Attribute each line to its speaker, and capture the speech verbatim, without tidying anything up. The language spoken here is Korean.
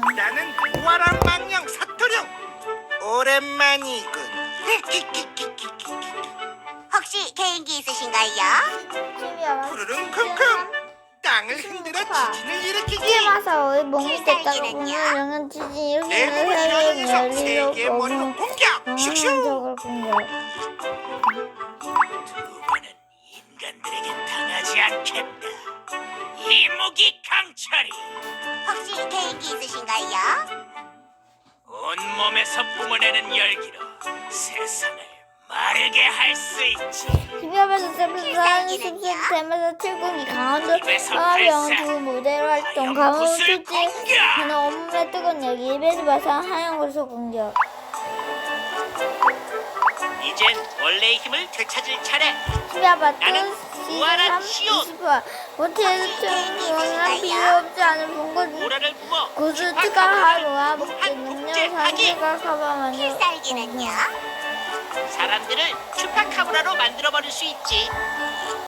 Speaker 1: 나는 부활한 망령 사토령. 오랜만이군.
Speaker 2: 혹시 개인기 있으신가요?
Speaker 1: 푸르릉 쿵쿵. 땅을 흔들어 지진을 일으키기.
Speaker 3: 마사오의 몸이 됐다가
Speaker 2: 필살기는요?
Speaker 3: 보면 지진
Speaker 1: 내
Speaker 3: 일으키는
Speaker 1: 몸을
Speaker 3: 세계의
Speaker 1: 겨냥해서 세
Speaker 3: 열리로
Speaker 1: 개의 머리로
Speaker 3: 보면
Speaker 1: 공격. 슉슉.
Speaker 3: 적을 공격.
Speaker 4: 두 번은 인간들에게 당하지 않겠다. 이무기 강철이
Speaker 2: 혹시 개인기 있으신가요?
Speaker 4: 온몸에서 뿜어내는 열기로 세상을 마르게 할 수 있지.
Speaker 3: 집앞에서 cep에서 숲속 댐에서 출국이 강원도 화병 두 무대로 활동 강원
Speaker 4: 구슬
Speaker 3: 출진
Speaker 4: 공격!
Speaker 3: 하는 온몸에 뜨거운 열기 입에서 발사한 하얀 구슬 공격.
Speaker 4: 이젠 원래의 힘을 되찾을 차례.
Speaker 3: 집앞
Speaker 4: 나는
Speaker 3: 시즌
Speaker 4: 무한한
Speaker 3: 삼
Speaker 4: 시온!
Speaker 3: 이십 화 모태에서 태어난 필요 없지 않은 본것
Speaker 4: 모라를 부어
Speaker 3: 구슬
Speaker 4: 축하
Speaker 3: 특가
Speaker 4: 카메라를
Speaker 3: 하루와 목적
Speaker 4: 무한
Speaker 3: 능력
Speaker 4: 복제하기.
Speaker 3: 상태가 커버만들
Speaker 2: 필살기는요?
Speaker 4: 사람들을 슈파카브라로 만들어버릴 수 있지.